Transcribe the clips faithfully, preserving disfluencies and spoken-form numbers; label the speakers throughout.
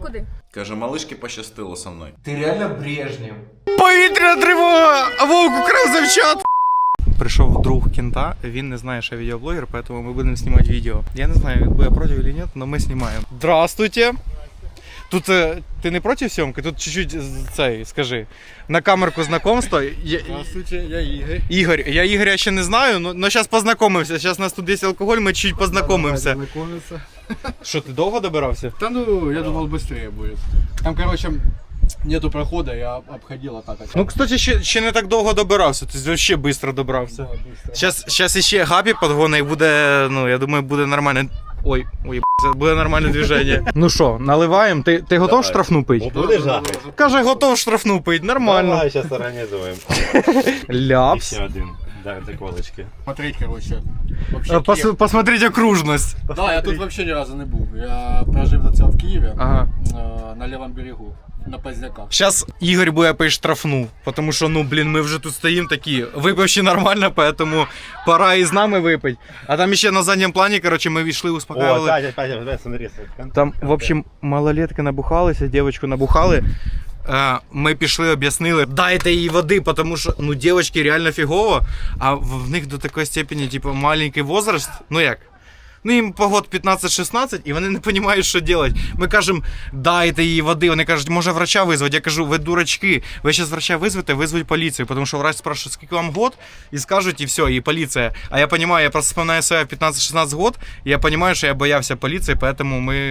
Speaker 1: куди?
Speaker 2: Каже, малишки пощастило со мною.
Speaker 3: Ти реально Брежнєв.
Speaker 4: Повітряна тривога! Вовк украв завчат! Прийшов друг кента, він не знає, що я відеоблогер, поэтому ми будемо знімати відео. Я не знаю, буде проти чи ні, але ми знімаємо. Здравствуйте! Тут ти не проти зйомки? Тут чуть-чуть цей, скажи. На камерку знайомства. Я...
Speaker 3: Здравствуйте, я Ігор.
Speaker 4: Ігор, я Ігоря ще не знаю, але зараз познайомимося. Зараз у нас тут є алкоголь, ми чуть познайомимося.
Speaker 3: Знакомиться.
Speaker 4: Що, ти довго добирався?
Speaker 3: Да ну, я думал быстрее будет. Там, короче, нету прохода, я обходил а так.
Speaker 4: Ну, кстати, ще, ще не так довго добирався, ти взагалі швидко добрався. Зараз, зараз іще Гапі підгонить і буде, ну, я думаю, буде нормально. Ой, ой, буде нормальне движення. Ну що, наливаємо? Ти, ти готов штрафну пити?
Speaker 5: Будеш жахати?
Speaker 4: Каже, готов штрафну пити, нормально.
Speaker 5: Давай, зараз організуємо.
Speaker 4: Ляпс.
Speaker 5: Ще один. Да, заколочки.
Speaker 3: Смотреть, короче. Вообще
Speaker 4: Пос,
Speaker 3: Киев.
Speaker 4: посмотрите окружність.
Speaker 3: Да, я тут вообще ни разу не був. Я прожив до цього в Києві,
Speaker 4: Ага.
Speaker 3: э, на левом берегу, на Поздняках.
Speaker 4: Зараз Ігор буде пити штрафну, тому що, ну, блін, ми вже тут стоїмо такі, випивши нормально, поэтому пора і з нами випити. А там ще на задньому плані, коротше, ми війшли,
Speaker 5: О,
Speaker 4: успокоїли.
Speaker 5: Катя, Катя, Катя, смотри.
Speaker 4: Там, в общем, малолетки набухалися, дівчинку набухали. Е, Ми пішли, об'яснили, дайте їй води, тому що, ну, дівчатки реально фігово, а в в них до такої степені, типу, маленький возраст, ну як? Ну, їм по год п'ятнадцять-шістнадцять, і вони не розуміють, що робити. Ми кажемо, дайте їй води. Вони кажуть, може врача визвати. Я кажу, ви дурачки, ви зараз врача визвете, визвуть поліцію. Тому що врач спрашиває, скільки вам год, і скажуть, і все, і поліція. А я розумію, я просто вспоминаю себе п'ятнадцять-шістнадцять год, і я розумію, що я боявся поліції, тому ми...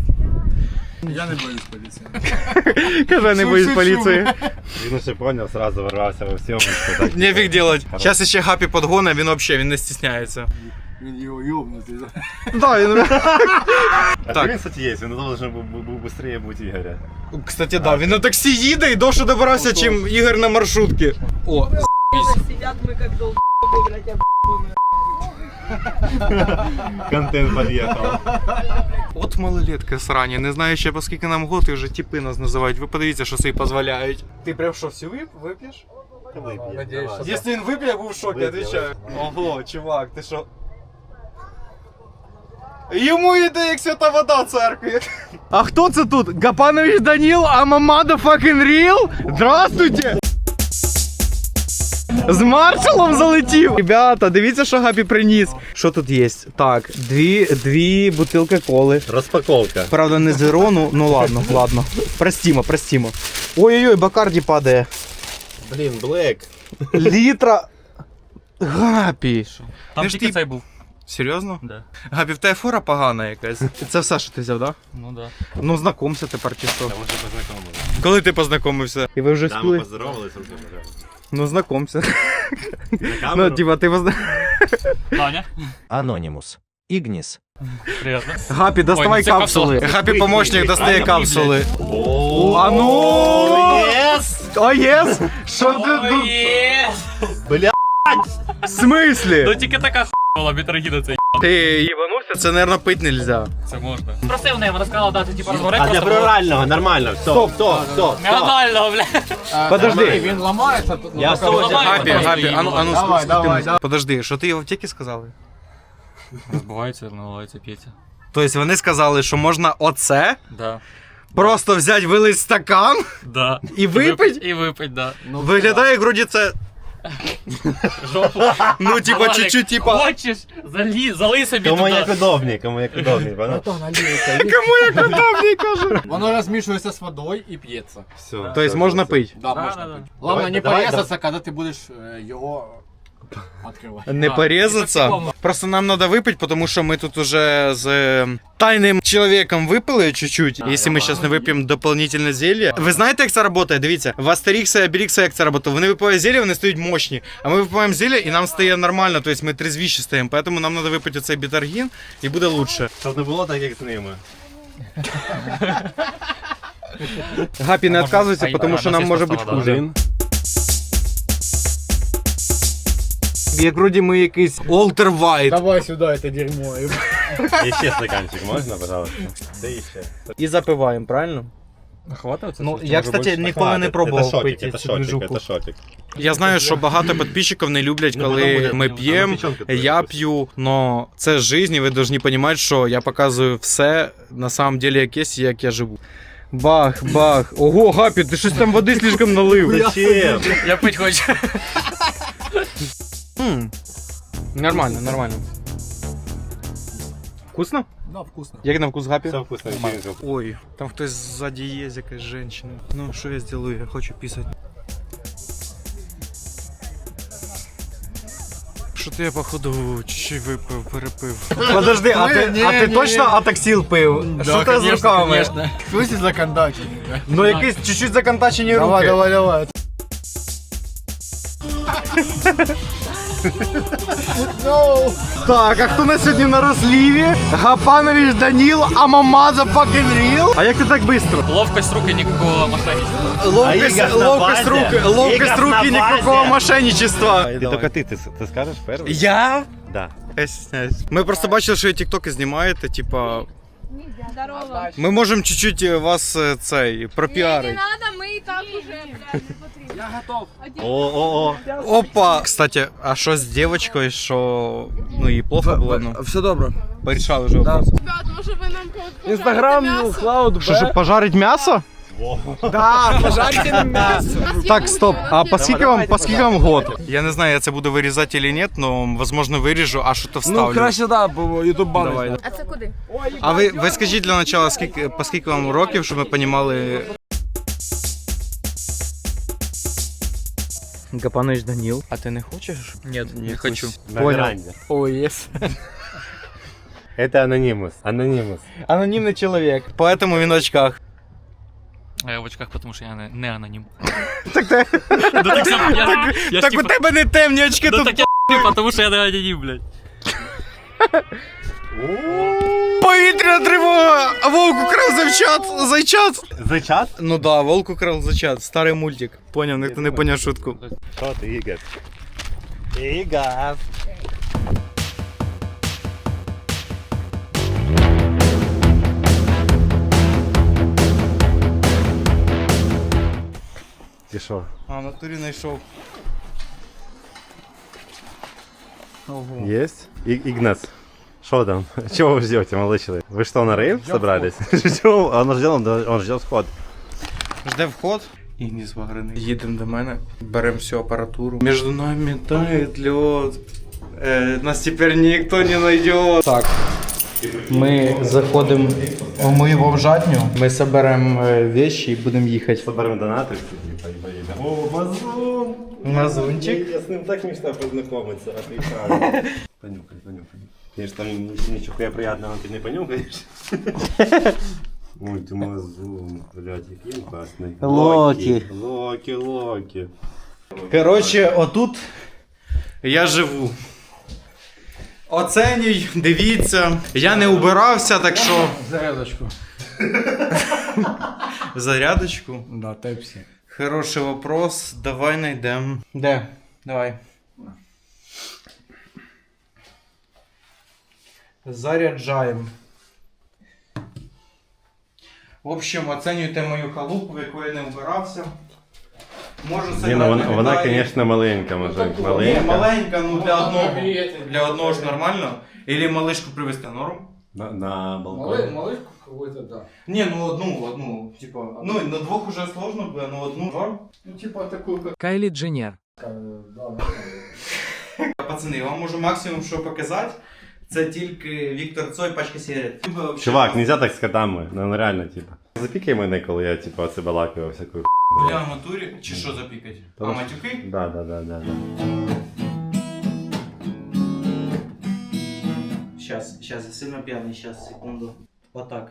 Speaker 3: Я не боюсь поліції.
Speaker 4: Каже, не боюсь поліції.
Speaker 5: Він ще поняв, сразу ворвався во всьому.
Speaker 4: Нефіг делать. Зараз ще Гапі підгоне, він взагалі він не стісняється.
Speaker 3: Він його йобнутий.
Speaker 4: Да, він...
Speaker 5: А
Speaker 4: Так.
Speaker 5: він, кстати, є, він должен був був швидше бути Ігоря.
Speaker 4: Кстати, да, він на таксі їде і довше добирався, чим Ігор на маршрутці. О,
Speaker 1: Сидять ми як долбоби, блядь, я
Speaker 5: Контент під'їхав.
Speaker 4: от малолетка срані, не знаю ще по скільки нам год, і вже типи нас називають. Ви подивіться, що собі дозволяють. Ти прям що, всю вип, вип'єш?
Speaker 3: Надіюсь, що
Speaker 4: Якщо він вип'є, я був в шокі,
Speaker 5: Вип'є,
Speaker 4: відповідаю. Ого, чувак, ти що? Йому йде як свята вода в церкві. А хто це тут? Гапанович Данил, амамада fucking real? Здравствуйте! З маршалом залетів! Ребята, дивіться, що Гапі приніс. Що тут є? Так, дві, дві бутилки коли.
Speaker 5: Розпаковка.
Speaker 4: Правда, не зеро, ну, ну ладно, ладно. Простімо, простімо. Ой-ой-ой, Бакарді падає.
Speaker 5: Блін, Блек.
Speaker 4: Літра. Гапі.
Speaker 6: Там
Speaker 4: Ти ж
Speaker 6: тільки
Speaker 4: ти-
Speaker 6: цей був.
Speaker 4: Серйозно?
Speaker 6: Да.
Speaker 4: Гапі, в тебе фора погана якась. Це все, що ти взяв, так? Да?
Speaker 6: Ну да.
Speaker 4: Ну, знакомся тепер чи що.
Speaker 5: Там вже познайомилися.
Speaker 4: Коли ти познайомився? І ви вже
Speaker 5: Там
Speaker 4: спіли?
Speaker 5: поздоровалися, руки пожали.
Speaker 4: Ну, знакомся.
Speaker 5: На
Speaker 4: Ну,
Speaker 5: камеру?
Speaker 4: типа, ти позна...
Speaker 6: Таня,
Speaker 7: Анонимус. Игнис.
Speaker 6: приємно.
Speaker 4: Гапі, доставай
Speaker 6: Ой, це
Speaker 4: капсули.
Speaker 6: капсула.
Speaker 4: Гапі помощник достає
Speaker 6: Ай,
Speaker 4: капсули.
Speaker 5: О,
Speaker 4: А ну!
Speaker 5: єс!
Speaker 4: О, єс! Що ти тут?
Speaker 5: Бля.
Speaker 4: В смислі?
Speaker 6: Ну тільки така хуйла, бітрогіда цей.
Speaker 4: Ти їбанувся? Це, мабуть, пити нельзя.
Speaker 6: Це можна. Просив в неї, вона сказала дати типу розгорет.
Speaker 5: А для прорального нормально, все,
Speaker 4: Стоп.
Speaker 5: все, все.
Speaker 6: Нормально, бля.
Speaker 4: Подожди.
Speaker 3: Він ламається, тут
Speaker 5: Я
Speaker 3: ну,
Speaker 5: соня.
Speaker 3: поки-
Speaker 4: Гапі, Гапі, а ну, а ну,
Speaker 3: Давай,
Speaker 4: скрути
Speaker 3: давай,
Speaker 4: мені.
Speaker 3: давай.
Speaker 4: Подожди, що ти в аптеці сказали?
Speaker 6: Розбивається, наливається, п'ється.
Speaker 4: Тобто вони сказали, що можна оце
Speaker 6: Да.
Speaker 4: просто взяти, вилить стакан
Speaker 6: Да.
Speaker 4: і випить?
Speaker 6: І випить, да.
Speaker 3: Ну,
Speaker 4: Виглядає, як вроді це,
Speaker 6: Жопу.
Speaker 4: ну, типа,
Speaker 6: Валік,
Speaker 4: чуть-чуть, типа,
Speaker 6: Хочеш, залі, залий собі
Speaker 5: Кому як
Speaker 6: туди.
Speaker 5: удобней, кому як удобней, понял?
Speaker 4: кому як удобний, каже.
Speaker 3: Воно розмішується з водою і п'ється.
Speaker 5: Все.
Speaker 4: Тобто можна пити?
Speaker 3: Да,
Speaker 6: Да,
Speaker 3: можна
Speaker 6: да,
Speaker 3: пити.
Speaker 6: да.
Speaker 3: Главное
Speaker 5: Давай,
Speaker 3: не
Speaker 5: давай,
Speaker 3: порезаться, коли ти будеш е, його відкривати.
Speaker 4: Не
Speaker 6: А,
Speaker 4: порізатися.
Speaker 6: і по-всякому.
Speaker 4: Просто нам треба випити, тому що ми тут уже з е, тайним чоловіком випили чуть-чуть. Якщо ми зараз не вип'ємо дополнительне зілля. Ви знаєте, як це працює? Дивіться, в Астерікса і Обелікса як це працює? Вони випивають зілля, вони стають мощні. А ми випиваємо зілля і нам стає нормально, тобто ми трезвіші стаємо. Тому нам треба випити оцей бітаргін і буде лучше.
Speaker 5: Щоб не було так, як з ними.
Speaker 4: Гапі, не
Speaker 6: А
Speaker 4: відказуйся,
Speaker 6: можна-
Speaker 4: тому
Speaker 6: а,
Speaker 4: що
Speaker 6: на
Speaker 4: нам
Speaker 6: цей
Speaker 4: може
Speaker 6: состав,
Speaker 4: бути
Speaker 6: да.
Speaker 4: хуже.
Speaker 5: Один.
Speaker 4: Як вроді ми якийсь Олтер Вайт.
Speaker 3: Давай сюди це дерьмо.
Speaker 5: І ще стаканчик можна, пожалуйста? Де іще?
Speaker 4: І запиваємо, правильно?
Speaker 6: Хватає це?
Speaker 4: Ну, я, кстати, ніколи не пробував пити
Speaker 5: Це
Speaker 4: цю
Speaker 5: шотик,
Speaker 4: движуху.
Speaker 5: це шотик.
Speaker 4: Я знаю, що багато підписчиків не люблять,
Speaker 5: Ну, потім
Speaker 4: коли
Speaker 5: буде-
Speaker 4: ми
Speaker 5: ну,
Speaker 4: п'ємо,
Speaker 5: печенка твоя
Speaker 4: я
Speaker 5: щось.
Speaker 4: п'ю, но це ж життя, і ви повинні розуміти, що я показую все на самом деле, як є, і як я живу. Бах, бах. Ого, Гапі, ти щось там води слишком налив.
Speaker 5: Зачем?
Speaker 6: Я пить хочу.
Speaker 4: М, Нормально, нормально. Вкусно?
Speaker 3: Да, вкусно.
Speaker 4: Як на вкус Гапі?
Speaker 5: Все вкусно.
Speaker 4: Ой, там хтось ззаді є, якась жінка. Ну, що я зроблю? Я хочу писати. Що-то я, походу, чуть-чуть випив, перепив. Подожди, а ти,
Speaker 3: Ні,
Speaker 4: а ти
Speaker 3: ні,
Speaker 4: точно
Speaker 3: ні.
Speaker 4: атаксіл пив? Що ти з руками?
Speaker 6: Конечно.
Speaker 3: Слышите законодатель?
Speaker 4: Ну, якісь чуть-чуть законтачені руки.
Speaker 3: Давай, давай, давай.
Speaker 4: Так, а хто на сьогодні на розліві? Гапанович Даніл, а Мамаза fucking real? А як ти так швидко?
Speaker 6: Ловкость рук и никакого мошенничества.
Speaker 4: Ловкость,
Speaker 5: Ігор на
Speaker 4: ловкость
Speaker 5: базі.
Speaker 4: рук, ловкость
Speaker 5: Ігор
Speaker 4: рук
Speaker 5: на
Speaker 4: і
Speaker 5: базі.
Speaker 4: ніякого мошенничества.
Speaker 5: Ти тільки ти, ти, ти скажеш перший?
Speaker 4: Я?
Speaker 5: Да.
Speaker 4: Я стесняюсь. Ми просто бачили, що ви тіктоки знімаєте, типа.
Speaker 1: Здорово.
Speaker 4: Ми можемо чуть-чуть вас е, цей пропіарити.
Speaker 1: надо, мы и так уже, блядь, не потрібно.
Speaker 5: О-о-о.
Speaker 4: Опа! Кстати, а що з дівчинкою, що ну їй плохо було? Ну,
Speaker 3: Все добре.
Speaker 4: порішали вже вопрос.
Speaker 1: Ребят, може ви нам когось
Speaker 3: Інстаграм, ну, Клауд,
Speaker 4: Що, щоб пожарить м'ясо?
Speaker 3: Да, пожарьте нам мясо.
Speaker 4: Так, стоп. А по скільки вам, по скільки вам год? Я не знаю, я це буду вирізати чи ні, але, можливо, виріжу, а що то вставлю.
Speaker 3: Ну, краще, да, бо ютуб банить.
Speaker 4: Давай.
Speaker 1: А це куди?
Speaker 4: А ви, ви скажіть для початку, скільки, по скільки вам років, щоб ми розуміли... Гапанович Даніл. А ти не хочеш?
Speaker 6: Нет, не хочу.
Speaker 5: На
Speaker 4: Понял.
Speaker 5: веранде.
Speaker 4: Ой, єс.
Speaker 5: Это анонимус. Анонимус.
Speaker 4: Анонімний чоловік. Поэтому він в очках.
Speaker 6: А я в очках, потому что я не, не аноним.
Speaker 4: Так ти...
Speaker 6: Ну так сам, я, я ж
Speaker 4: Так у
Speaker 6: типа,
Speaker 4: тебе не темні очки,
Speaker 6: ну
Speaker 4: тут
Speaker 6: так я потому что я не аноним, блядь.
Speaker 4: повітряна тривога! А вовк украв зайчат! Зайчат!
Speaker 5: Зачат?
Speaker 4: Ну да, волк украв зайчат. Старий мультик. Поняв, ніхто не поняв шутку.
Speaker 5: Що ти, Ігор? Ігор. Ти що?
Speaker 4: А, в натурі знайшов. Ого.
Speaker 5: Есть? И- Игнас, что там? Чего вы ждете, молодой человек? Вы что, на рейв собрались? Чего? Он ждет, он ждет вход.
Speaker 4: Жде вход. Ігніс ваграний. Їдемо до мене, беремо всю апаратуру. Між нами тает лед. Е, нас тепер ніхто не знайде. Так. Ми заходимо в мою бомжатню. Ми соберемо речі і будемо їхати.
Speaker 5: Соберем донаты. О, Мазун!
Speaker 4: Мазунчик.
Speaker 5: Я с ним так мечтаю познакомиться, а ты правильно. Понюхай, понюхай. Конечно, там ничего приятного ты не понюхаешь. Ой, ты Мазун, блядь, який классный.
Speaker 4: Локи.
Speaker 5: Локи, Локи.
Speaker 4: Коротше, отут я живу. Оценюй, дивіться. Я не убирався, так що.
Speaker 3: Зарядочку.
Speaker 4: Зарядочку.
Speaker 3: Да, тепсі.
Speaker 4: Хороший вопрос. Давай найдем. Де? Давай. Заряджаємо. В общем, оцінюйте мою халупу, в яку я не вбирався. Можу
Speaker 5: Не,
Speaker 4: це
Speaker 5: ну вона, вона, конечно, маленька, мужик.
Speaker 4: Ні,
Speaker 5: Маленька.
Speaker 4: маленька, ну для одного. Для одного ж нормально. Или малишку привезти норм?
Speaker 5: На, на балконе.
Speaker 3: малышку какой-то, да.
Speaker 4: Ні, ну одну, одну. Типа, ну на двох уже сложно буде, но одну норм.
Speaker 3: Ну, типа такую, как...
Speaker 7: Кайли Дженнер.
Speaker 4: Пацани, я вам можу максимум що показати. Це тільки Віктор Цой, пачка сигарет.
Speaker 5: Чувак, нельзя так з котами, ну реально, типа. Запікай мене, коли я, типа, оце балакаю всяку.
Speaker 4: Бля, в натурі, чи що запікать? А
Speaker 5: Тому-
Speaker 4: матюки?
Speaker 5: Да, да, да, да, да.
Speaker 4: Сейчас, сейчас, я сильно пьяный, сейчас, секунду. Вот так.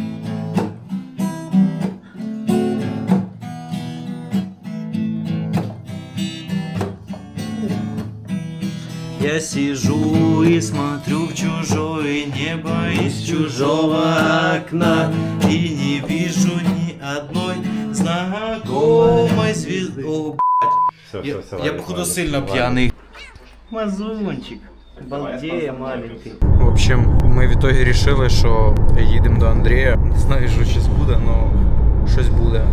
Speaker 4: Я сижу и смотрю в чужое небо из чужого окна и не вижу ни одной знакомой звезды. О,
Speaker 5: Все,
Speaker 4: я,
Speaker 5: все, все.
Speaker 4: я
Speaker 5: ладно,
Speaker 4: походу
Speaker 5: ладно,
Speaker 4: сильно
Speaker 5: ладно.
Speaker 4: пьяный.
Speaker 8: Мазунчик, балдея маленький.
Speaker 4: В общем, ми в итоге решили, що їдемо до Андрія. Не знаю, що зараз буде, але щось буде.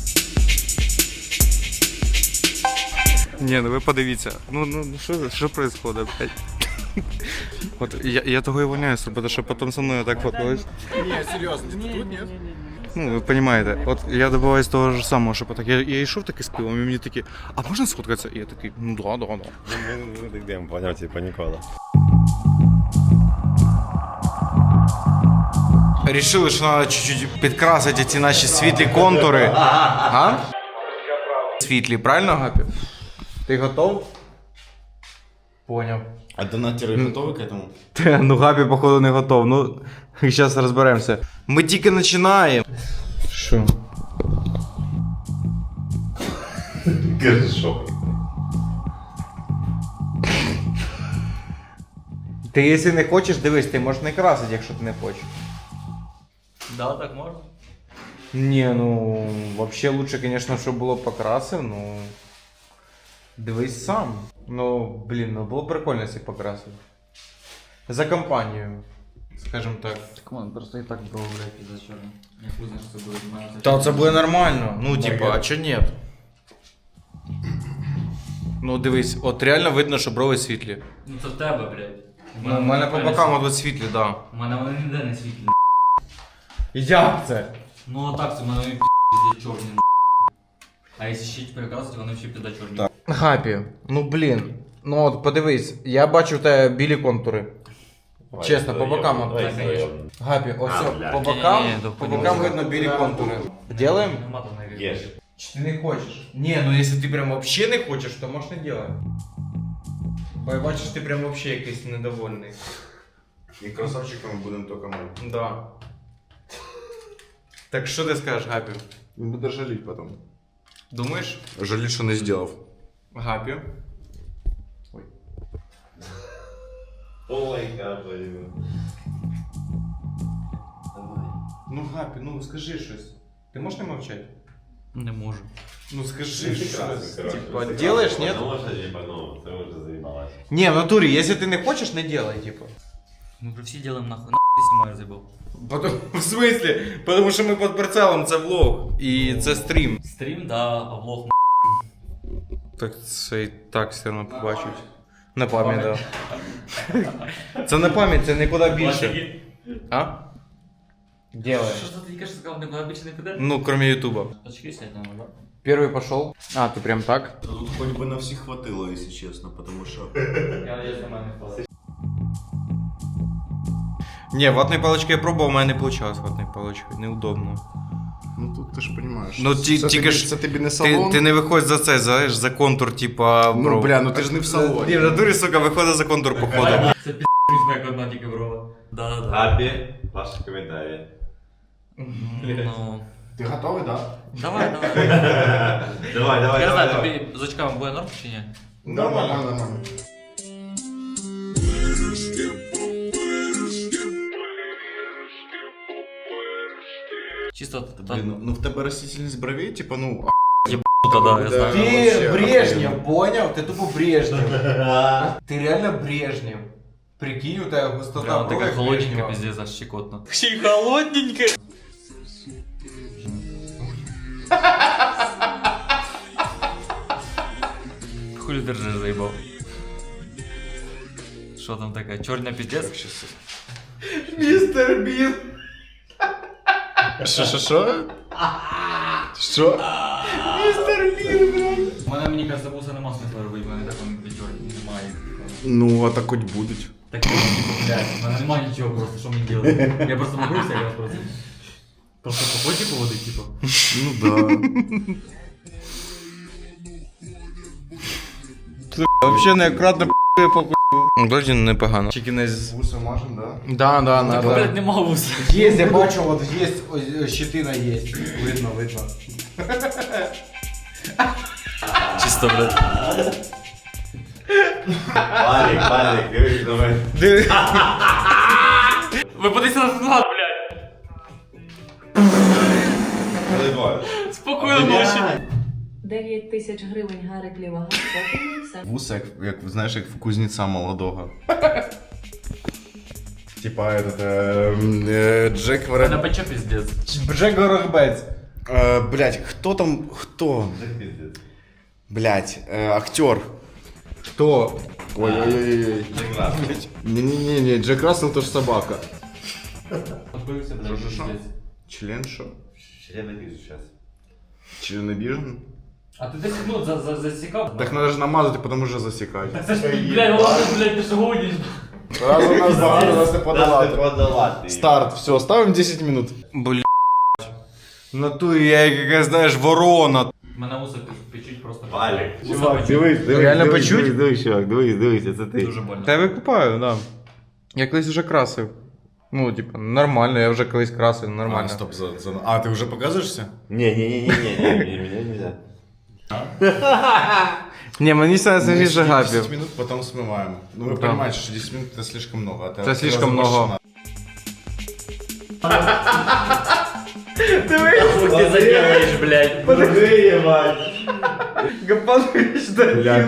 Speaker 4: Ні, ну ви подивіться. Ну, ну що, що происходит, блядь? От я, я того і воняюсь, тому що потім со мною так фоткались.
Speaker 3: Не, серьезно, тут нет?
Speaker 4: Ну, ви розумієте, от я добиваюсь того ж самого, що так. Я, я йшов таки з пивом, і мені такі, а можна сфоткатися? І я такий, ну да, да, да.
Speaker 5: Ну, так йдемо, поняв, типа ніколи.
Speaker 4: Рішили, що треба чуть-чуть підкрасити ці наші світлі контури. А? Світлі, правильно, Гапі? Ти готов? Поняв.
Speaker 2: А донатери готові к этому?
Speaker 4: Те, ну Гапі, походу, не готов. Ну, зараз розберемося. Ми тільки починаємо. Що?
Speaker 5: Горшок.
Speaker 4: Ти, якщо не хочеш, дивись, ти можеш не красити, якщо ти не хочеш.
Speaker 6: Да, так можна.
Speaker 4: Ні, ну, взагалі лучше, звісно, щоб було покрасив, ну. Дивись сам. Ну, блін, ну було б прикольно, якщо покрасив. За компанію, скажімо так.
Speaker 6: Так вон, просто і так було, блядь, за чорно. Я хуй знаю, що це буде. знаю,
Speaker 4: Та це буде нормально. Ну, типа, а чо ні? Ну, дивись, от реально видно, що брови світлі.
Speaker 6: Ну це в тебе, блядь.
Speaker 4: Ну, у мене по бокам от світлі, так. Да.
Speaker 6: У мене вони ніде не світлі.
Speaker 4: Як це?
Speaker 6: Ну а так, це в мене пізді чорні. А якщо ще перекрасити, вони всі піда чорні.
Speaker 4: Так. Гапі, ну блін. Ну от подивись, я бачу в тебе білі контури. Чесно, по бокам. от.
Speaker 6: Так, конечно.
Speaker 4: Гапі, ось
Speaker 5: А,
Speaker 4: о,
Speaker 5: бля.
Speaker 4: по бокам,
Speaker 6: Ні-ні-ні, да,
Speaker 4: по
Speaker 6: понял.
Speaker 4: бокам видно білі контури. Делаем?
Speaker 6: Нема там навіть.
Speaker 5: Єш.
Speaker 4: Чи ти не хочеш? Ні, ну якщо ти прям вообще не хочеш, то можеш не делать. Бо я бачу, що ти прям вообще якийсь недовольний.
Speaker 2: І красавчиками будемо тільки ми.
Speaker 4: Да. Так що ти скажеш, Гапі?
Speaker 2: Він буде жаліти потім.
Speaker 4: Думаєш?
Speaker 2: Жаліть, що не зробив.
Speaker 4: Гапі.
Speaker 5: Ой, капаю.
Speaker 4: Ну, Гапі, ну скажи щось. Ти можеш не мовчати?
Speaker 6: Не можу.
Speaker 4: Ну скажи
Speaker 5: Ти
Speaker 4: щось.
Speaker 5: красний, коротше.
Speaker 4: Типа,
Speaker 5: Ти
Speaker 4: делаєш,
Speaker 5: красний.
Speaker 4: нет?
Speaker 5: Ну, може, типа, ну, це вже заїбалось.
Speaker 4: Не, в натуре, если ты не хочешь, не делай, типа.
Speaker 6: Ми вже всі ділимо нахуй. Нахуй ти знімаєш забув.
Speaker 4: Потом, в смысле? Потому що ми під прицелом, це влог. І це стрім.
Speaker 6: Стрім, да, а влог
Speaker 4: Так це і так все одно побачать. На пам'ять, да. Це на пам'ять, це нікуди більше. А? Делай.
Speaker 6: Що ж ти тільки що сказав, нікуди більше не піде?
Speaker 4: Ну, кроме ютуба.
Speaker 6: Очки снять надо, да?
Speaker 4: Первый пошел. А, ты прям так?
Speaker 2: Тут хоч би на всіх хватило, якщо чесно, тому що...
Speaker 6: Я надіюсь, на мене впаде.
Speaker 4: Не, ватной палочкой я пробовал, у меня не получалось ватной палочкой. Неудобно.
Speaker 2: Ну тут ти ж розумієш.
Speaker 4: Ну, ті-
Speaker 2: це,
Speaker 4: тільки
Speaker 2: тобі,
Speaker 4: ж
Speaker 2: це тобі не
Speaker 4: Ти,
Speaker 2: салон.
Speaker 4: ти не виходь за це, знаєш, за контур, типа,
Speaker 2: Ну,
Speaker 4: бро.
Speaker 2: бля, ну ти ж не в салоні.
Speaker 4: Ні, в натурі, сука, виходить за контур, походу.
Speaker 6: Це пі***сь, як одна тільки брова. Да, да, да.
Speaker 5: Гапі, ваші коментарі.
Speaker 6: Ну,
Speaker 2: Ти готовий, так?
Speaker 6: давай, давай.
Speaker 5: Давай, давай,
Speaker 6: Я
Speaker 5: давай,
Speaker 6: знаю,
Speaker 5: давай.
Speaker 6: тобі з очками буде норм чи ні?
Speaker 2: Нормально, нормально.
Speaker 6: Чисто
Speaker 2: Блін,
Speaker 6: там.
Speaker 2: ну, ну в тебе растительність бровей, типа, ну...
Speaker 6: Ну, да, я знаю.
Speaker 4: Ты Брежнев, понял? Ты тупо Брежнев. Ты реально Брежнев. Прикинь, у тебя густота
Speaker 6: Прямо
Speaker 4: бровей
Speaker 6: така холодненька,
Speaker 4: Брежнева.
Speaker 6: пиздец, аж щекотно. Ще й холодненька! Хули держиш, заїбав. Що там таке? Чорня пиздец?
Speaker 4: Мистер Бин.
Speaker 2: Що, що, що? Що?
Speaker 6: У мене, мені кажется, вуса нема смисла робити, в мене так вони чорні немає.
Speaker 2: Ну, а так хоч будуть.
Speaker 6: Так, типу, блядь, в мене немає нічого просто, що мені делать? Я просто могуся, я просто... Просто по ході поводить, типу.
Speaker 2: Ну да.
Speaker 4: Вообще неаккуратно п***є по х**ю. Вроді непогано. Чекінез.
Speaker 2: Вуса мажем, да?
Speaker 4: Да, да,
Speaker 6: Так,
Speaker 4: надо.
Speaker 6: блядь, нема вуса.
Speaker 4: Есть, я бачу, вот есть, ось, щетина есть. Видно, видно.
Speaker 6: Чисто, блядь.
Speaker 5: Валік, Валік, дивись на мене.
Speaker 6: Ви подивіться назад, блядь.
Speaker 5: Заїбаю.
Speaker 6: Спокійно, ночі.
Speaker 9: дев'ять тисяч гривень Гарик Лівага. Поки все.
Speaker 2: Вуса, як, як, знаєш, як в кузнеця молодого. Типа этот, э, э, Джек
Speaker 6: Мене
Speaker 2: Варен...
Speaker 6: пече пиздец.
Speaker 4: Джек Горобець.
Speaker 2: Э, блять, кто там, кто? Блять, э, актер.
Speaker 4: Хто?
Speaker 2: Ой-ой-ой. Не-не-не, Джек Рассел тоже собака.
Speaker 6: Откройся, блядь,
Speaker 2: Що-що-що?
Speaker 6: пиздец.
Speaker 2: Член шо?
Speaker 5: Черенобіж зараз.
Speaker 2: Чернобижен?
Speaker 6: А ти десять минут за, за, засікав?
Speaker 2: Так надо же намазать, потом уже засекать.
Speaker 6: Це ж, блядь, ладно, блядь, ти ж гониш.
Speaker 2: Раз у нас багато, нас не подолати.
Speaker 5: Подолати.
Speaker 2: Старт, все, ставим десять минут.
Speaker 4: Блядь. В натурі я як якась, знаєш, ворона.
Speaker 6: Мене вуса печуть просто.
Speaker 5: Валік. Чувак, дивись, дивись,
Speaker 4: Реально
Speaker 5: дивись,
Speaker 4: почуть?
Speaker 5: дивись, дивись, чувак, дивись, дивись, це ти.
Speaker 6: Дуже больно.
Speaker 4: Та я викупаю, да. Я колись вже красив. Ну, типа, нормально, я вже колись красив, нормально.
Speaker 2: А, стоп, за, за... а ты уже показываешься?
Speaker 5: Не-не-не-не-не, меня нельзя.
Speaker 4: Не, мені це
Speaker 2: Мы
Speaker 4: найсвіже
Speaker 2: сидим
Speaker 4: гапів.
Speaker 2: десять минут, потом смываем. Ну вы
Speaker 4: Да.
Speaker 2: понимаете, что десять минут это слишком много. а
Speaker 4: Это слишком много.
Speaker 6: Ти заделаєш, блядь.
Speaker 5: Подожди, ебать.
Speaker 4: Гапанович, да.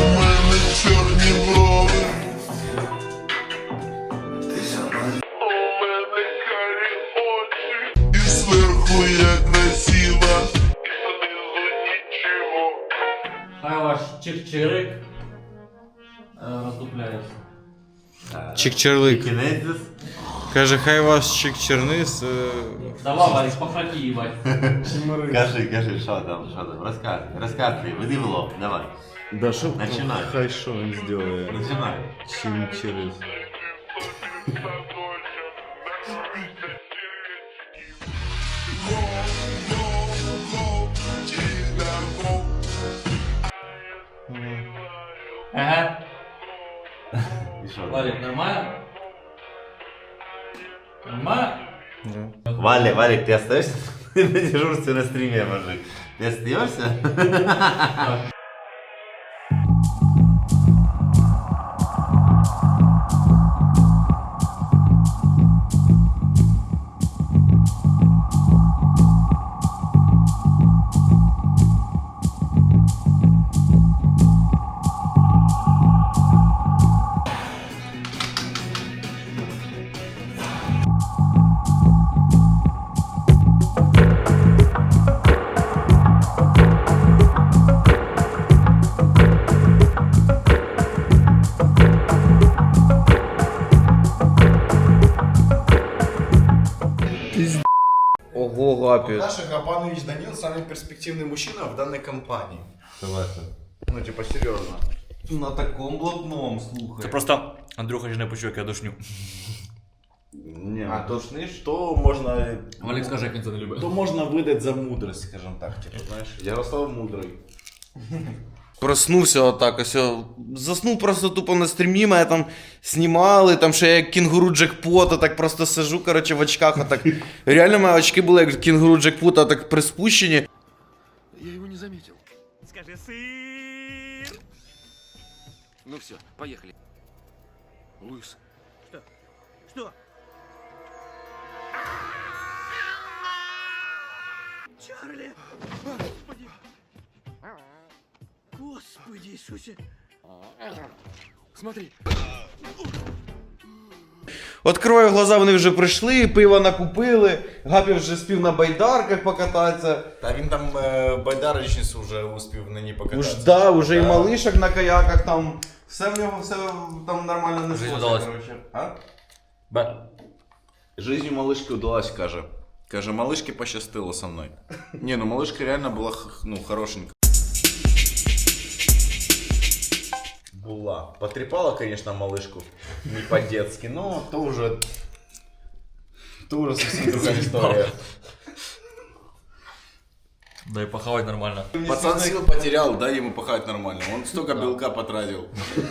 Speaker 6: Хай ваш чик-чирик е, роздупляється.
Speaker 4: Чик-черлик.
Speaker 5: Кінезис.
Speaker 4: Каже, хай ваш чик-чернис. е,
Speaker 6: Давай, Валік, похраті, їбать.
Speaker 5: Кажи, кажи, що там, що там, розказуй, розказуй, веди в лоб, давай.
Speaker 2: Да что?
Speaker 5: Начинай.
Speaker 2: Хай что он сделает?
Speaker 5: Начинай.
Speaker 2: Чем через...
Speaker 6: Ага.
Speaker 5: І що?
Speaker 6: Валік, нормально? Нормально?
Speaker 5: Валик, Валик, ты остаешься на дежурстве на стриме, мужик? Ты остаешься?
Speaker 4: Ого, гапі.
Speaker 2: Наш Гапанович Данил самый перспективный мужчина в данной компании.
Speaker 5: Согласен.
Speaker 2: Ну, типа, серьезно.
Speaker 6: На такому блатному, слухай.
Speaker 10: Це просто Андрюха ж не почув, як я душню.
Speaker 2: Не,
Speaker 5: А тошниш?
Speaker 2: что можно...
Speaker 6: Валік скаже, як він це не любить.
Speaker 2: То можно выдать за мудрость, скажем так, типа, знаешь. Ярослав мудрый.
Speaker 4: Проснувся отак, ось о, заснув просто тупо на стрімі, мене там знімали, там ще як кінгуру джекпота, так просто сижу, коротше, в очках, отак. Реально мої очки були як кінгуру джекпота, так приспущені.
Speaker 10: Я его не заметил. Скажи сыр. Ну все, поехали. Луис. Что? Что? Чарли! Господи! Господи Иисусе! Смотри!
Speaker 4: Откриваю глаза, вони вже прийшли, пиво накупили, Гапі вже спів на байдарках покататися.
Speaker 2: Да, він там э, байдарочницю уже успів на ній покататися.
Speaker 4: Уж да, уже і малишок на каяках там, все в нього, все там нормально не
Speaker 10: Жизнь
Speaker 4: сходиться,
Speaker 10: удалась.
Speaker 4: коротше. А?
Speaker 10: Б.
Speaker 2: Жизнь у малышки удалась, каже. Каже, малышке пощастило со мной. Не, ну малышка реально была, х- ну, хорошенькая. Була. Потрепала, конечно, малышку. Не по-детски, но то уже... То уже совсем другая история.
Speaker 10: Да и похавать нормально.
Speaker 2: Пацан сил потерял, дай ему пахать нормально. Он столько белка потратил.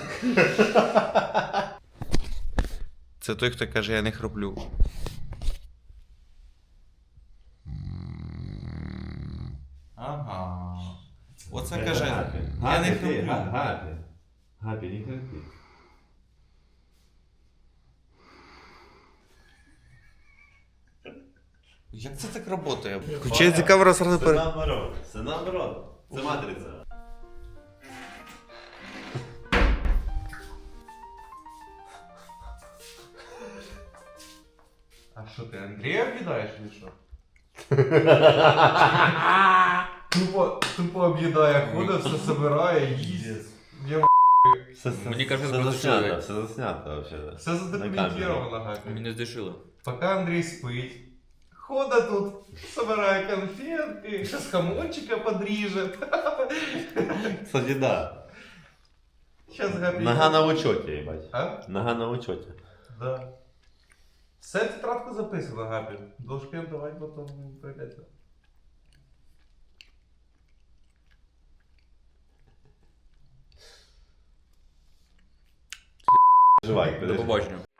Speaker 4: Це той, хто каже, я не хроплю. Ага. Оце каже, я не хроплю.
Speaker 5: Гапі. Гапі, не храпи.
Speaker 4: Як це так працює? Включається камера сразу
Speaker 5: Це
Speaker 4: перед...
Speaker 5: наоборот. Це наоборот. Це матриця.
Speaker 4: А що ти, Андрія об'їдаєш чи що? Тупо, тупо об'їдає, ходить, все собирає, їсть.
Speaker 10: Мені кажуть,
Speaker 5: все
Speaker 10: просто
Speaker 5: заснято,
Speaker 10: чоловік.
Speaker 5: все заснято вообще.
Speaker 4: Все задокументировано, Гапі.
Speaker 10: Мене здешило.
Speaker 4: Поки Андрій спить, Кода тут собирает конфетки, сейчас хамончика подрежет.
Speaker 5: Кстати, да.
Speaker 4: Сейчас Габі...
Speaker 5: Нога на учете, ебать.
Speaker 4: А?
Speaker 5: Нога на учете.
Speaker 4: Да. Все тетрадку записано, Габі. Должки давати потім прийдеться.
Speaker 5: Живай,
Speaker 10: До
Speaker 5: подожди.
Speaker 10: побачення.